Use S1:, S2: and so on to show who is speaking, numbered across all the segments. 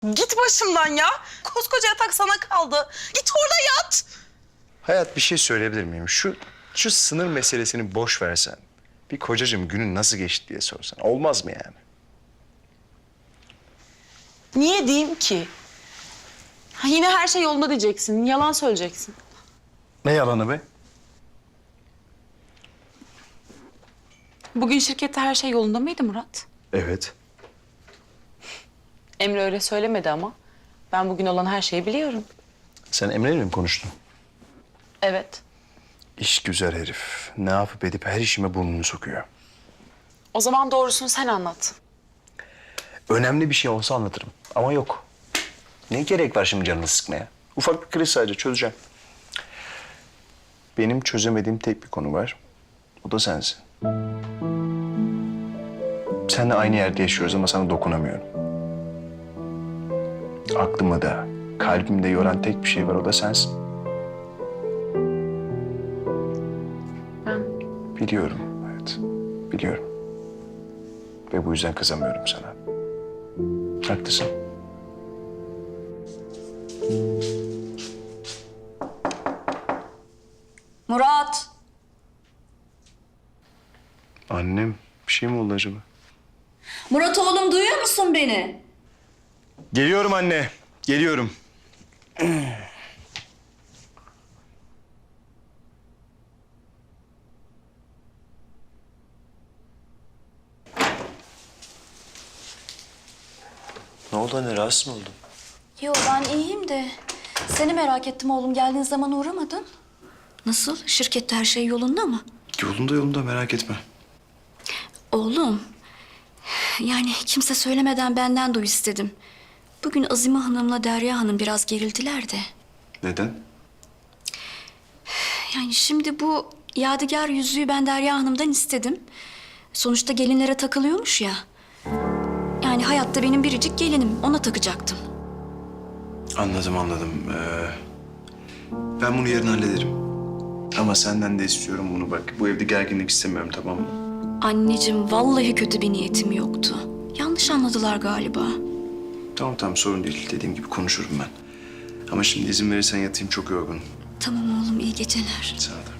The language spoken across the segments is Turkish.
S1: Git başımdan ya. Koskoca yatak sana kaldı. Git orada yat.
S2: Hayat, bir şey söyleyebilir miyim? Şu sınır meselesini boş versen. Bir kocacığım günün nasıl geçti diye sorsan. Olmaz mı yani?
S1: Niye diyeyim ki? Ha, yine her şey yolunda diyeceksin. Yalan söyleyeceksin.
S2: Ne yalanı be?
S1: Bugün şirkette her şey yolunda mıydı Murat?
S2: Evet.
S1: Emre öyle söylemedi ama. Ben bugün olan her şeyi biliyorum.
S2: Sen Emre'yle mi konuştun?
S1: Evet.
S2: İş güzel herif. Ne yapıp edip her işime burnunu sokuyor.
S1: O zaman doğrusunu sen anlat.
S2: Önemli bir şey olsa anlatırım. Ama yok. Ne gerek var şimdi canını sıkmaya? Ufak bir kriz sadece, çözeceğim. Benim çözemediğim tek bir konu var. O da sensin. Seninle aynı yerde yaşıyoruz ama sana dokunamıyorum. Aklımı da, kalbimi de yoran tek bir şey var, o da sensin.
S1: Ben...
S2: Biliyorum, evet. Biliyorum. Ve bu yüzden kızamıyorum sana. Haklısın.
S3: Murat!
S2: Annem, bir şey mi oldu acaba?
S3: Murat oğlum duyuyor musun beni?
S2: Geliyorum anne, geliyorum. Ne oldu anne, rahatsız mı oldun?
S3: Yo ben iyiyim de seni merak ettim oğlum. Geldiğin zaman uğramadın. Nasıl? Şirkette her şey yolunda mı?
S2: Yolunda, merak etme.
S3: Oğlum, yani kimse söylemeden benden duy istedim. Bugün Azime Hanım'la Derya Hanım biraz gerildiler de.
S2: Neden?
S3: Yani şimdi bu yadigar yüzüğü ben Derya Hanım'dan istedim. Sonuçta gelinlere takılıyormuş ya. Yani hayatta benim biricik gelinim. Ona takacaktım.
S2: Anladım. Ben bunu yarın hallederim. Ama senden de istiyorum bunu bak. Bu evde gerginlik istemiyorum, tamam mı?
S3: Anneciğim vallahi kötü bir niyetim yoktu. Yanlış anladılar galiba.
S2: Tamam, sorun değil. Dediğim gibi konuşurum ben. Ama şimdi izin verirsen yatayım, çok yorgunum.
S3: Tamam oğlum iyi geceler.
S2: Sana da.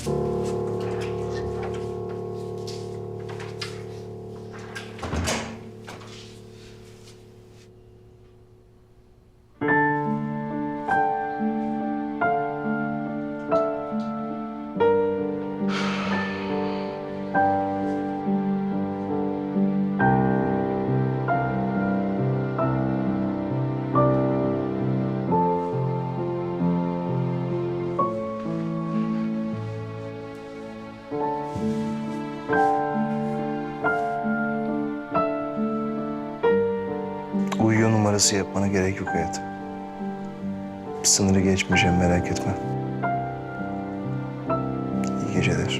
S2: Uyuyor numarası yapmana gerek yok hayatım. Sınırı geçmeyeceğim, merak etme. İyi geceler.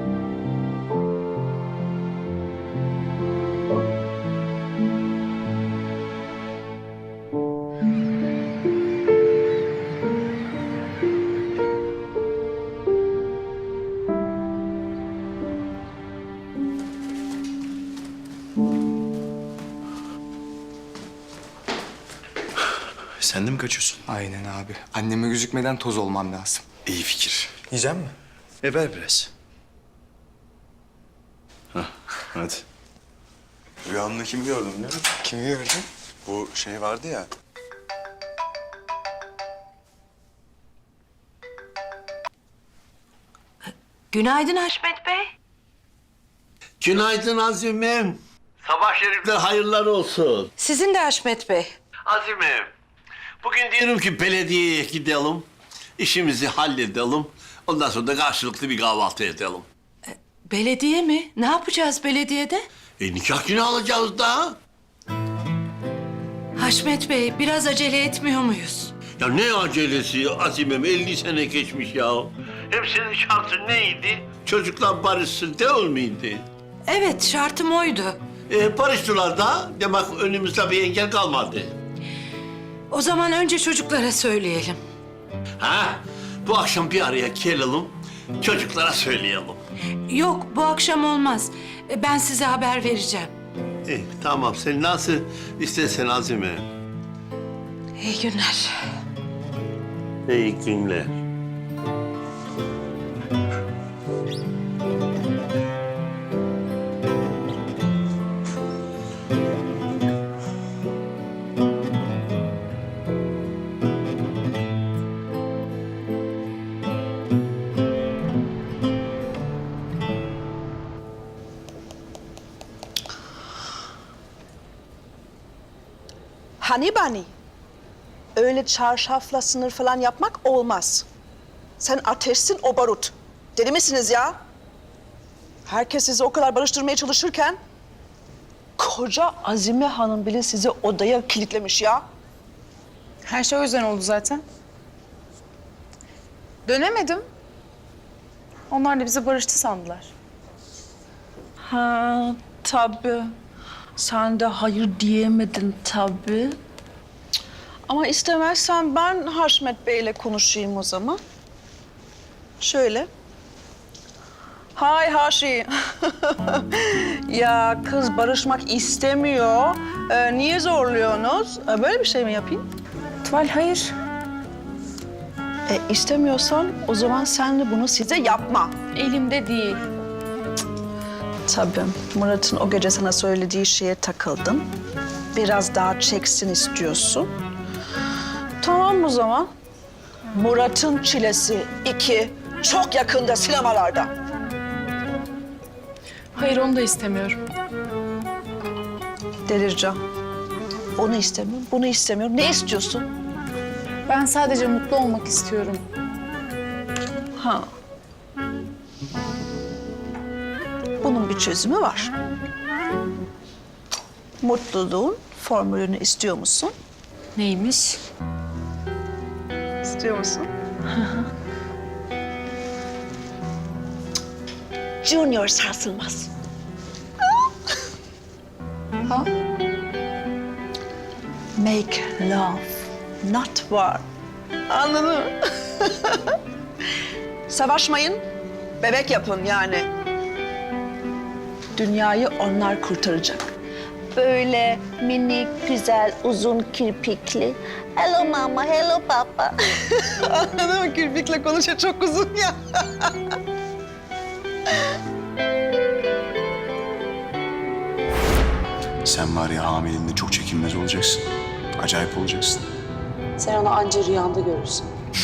S2: Sen de mi kaçıyorsun?
S4: Aynen abi. Anneme gözükmeden toz olmam lazım.
S2: İyi fikir.
S4: Yiyecek mi?
S2: Ver biraz. Hadi.
S4: Rüyamda kimi gördüm biliyor musun? Kimi gördün? Bu şey vardı ya.
S5: Günaydın Haşmet Bey.
S6: Günaydın Azim'im. Sabah şerifler hayırlar olsun.
S5: Sizin de Haşmet Bey.
S6: Azim'im, bugün diyorum ki belediyeye gidelim, işimizi halledelim. Ondan sonra da karşılıklı bir kahvaltı edelim.
S5: Belediye mi? Ne yapacağız belediyede?
S6: Nikah günü alacağız da.
S5: Haşmet Bey biraz acele etmiyor muyuz?
S6: Ya ne acelesi Azim'im, 50 sene geçmiş ya. Hem senin şartın neydi? Çocuklar barışsın değil miydi?
S5: Evet şartım oydu.
S6: Barıştılar da demek önümüzde bir engel kalmadı.
S5: O zaman önce çocuklara söyleyelim.
S6: Ha? Bu akşam bir araya gelelim, çocuklara söyleyelim.
S5: Yok bu akşam olmaz. Ben size haber vereceğim.
S6: Tamam, sen nasıl istersen Azime.
S5: İyi günler.
S6: İyi günler.
S7: Hani Bani? Öyle çarşafla sınır falan yapmak olmaz. Sen ateşsin, o barut. Deli misiniz ya? Herkes sizi o kadar barıştırmaya çalışırken... ...koca Azime Hanım bile sizi odaya kilitlemiş ya.
S1: Her şey o yüzden oldu zaten. Dönemedim. Onlar da bizi barıştı sandılar.
S7: Ha tabii. Sen de hayır diyemedin tabii. Cık. Ama istemezsen ben Haşmet Bey'le konuşayım o zaman. Şöyle. Hay Haşi. Ya kız barışmak istemiyor. Niye zorluyorsunuz? Böyle bir şey mi yapayım?
S1: Tuval hayır.
S7: İstemiyorsan o zaman sen de bunu size yapma.
S1: Elimde değil.
S7: Tabii. Murat'ın o gece sana söylediği şeye takıldın. Biraz daha çeksin istiyorsun. Tamam o zaman. Murat'ın Çilesi 2 çok yakında sinemalarda.
S1: Hayır onu da istemiyorum.
S7: Delireceğim. Onu istemiyorum, bunu istemiyorum. Ne istiyorsun?
S1: Ben sadece mutlu olmak istiyorum.
S7: Ha. Bunun bir çözümü var. Mutluluğun formülünü istiyor musun?
S1: Neymiş?
S7: İstiyor musun? Junior sarsılmaz.
S1: Ha?
S7: Make love, not war. Anladın mı? Savaşmayın, bebek yapın yani. Dünyayı onlar kurtaracak. Böyle minik, güzel, uzun kirpikli. Hello mama, hello papa. Anladın mı? Kirpikle konuşuyor, çok uzun ya.
S4: Sen var ya hamileliğinde çok çekinmez olacaksın. Acayip olacaksın.
S1: Sen onu anca rüyanda görürsün.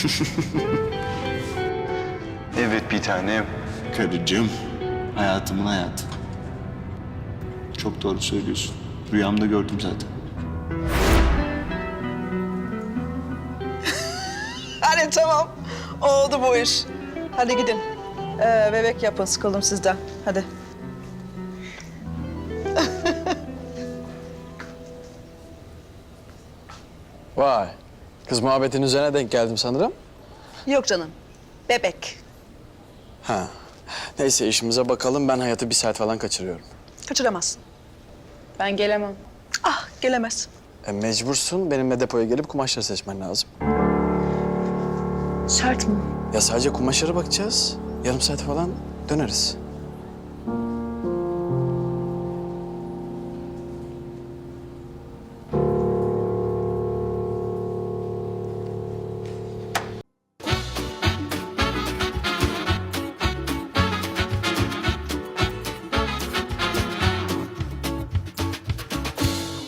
S2: Evet bir tanem.
S4: Karıcığım, hayatımın hayatı. Çok doğru söylüyorsun. Rüyamda gördüm zaten.
S7: Hadi tamam, oldu bu iş. Hadi gidin. Bebek yapın, sıkıldım sizden. Hadi.
S8: Vay. Kız muhabbetin üzerine denk geldim sanırım.
S7: Yok canım, bebek.
S8: Ha. Neyse işimize bakalım. Ben hayatı bir saat falan kaçırıyorum.
S7: Kaçıramazsın.
S1: Ben gelemem.
S7: Ah, gelemez.
S8: Mecbursun. Benimle depoya gelip kumaşları seçmen lazım.
S1: Şart mı?
S8: Ya sadece kumaşlara bakacağız. Yarım saat falan döneriz.